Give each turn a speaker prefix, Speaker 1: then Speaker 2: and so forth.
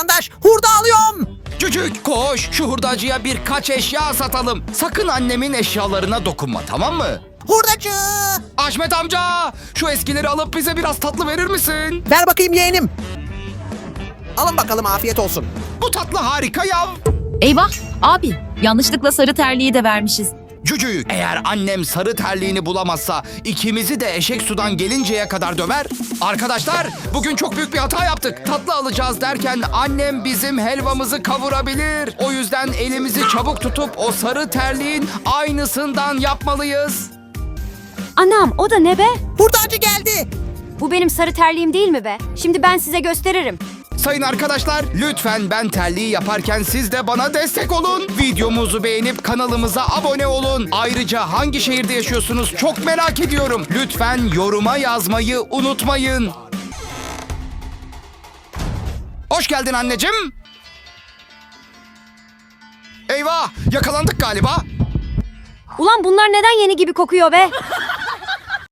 Speaker 1: vatandaş. Hurda alıyorum.
Speaker 2: Cücük koş, şu hurdacıya birkaç eşya satalım. Sakın annemin eşyalarına dokunma, tamam mı?
Speaker 1: Hurdacı.
Speaker 2: Ahmet amca, şu eskileri alıp bize biraz tatlı verir misin?
Speaker 1: Ver bakayım yeğenim. Alın bakalım, afiyet olsun.
Speaker 2: Bu tatlı harika ya.
Speaker 3: Eyvah abi, yanlışlıkla sarı terliği de vermişiz.
Speaker 2: Cücük, eğer annem sarı terliğini bulamazsa ikimizi de eşek sudan gelinceye kadar döver. Arkadaşlar, bugün çok büyük bir hata yaptık. Tatlı alacağız derken annem bizim helvamızı kavurabilir. O yüzden elimizi çabuk tutup o sarı terliğin aynısından yapmalıyız.
Speaker 4: Anam, o da ne be?
Speaker 1: Hurdacı geldi.
Speaker 4: Bu benim sarı terliğim değil mi be? Şimdi ben size gösteririm.
Speaker 2: Sayın arkadaşlar, lütfen ben terliği yaparken siz de bana destek olun. Videomuzu beğenip kanalımıza abone olun. Ayrıca hangi şehirde yaşıyorsunuz çok merak ediyorum. Lütfen yoruma yazmayı unutmayın. Hoş geldin anneciğim. Eyvah, yakalandık galiba.
Speaker 4: Ulan bunlar neden yeni gibi kokuyor be?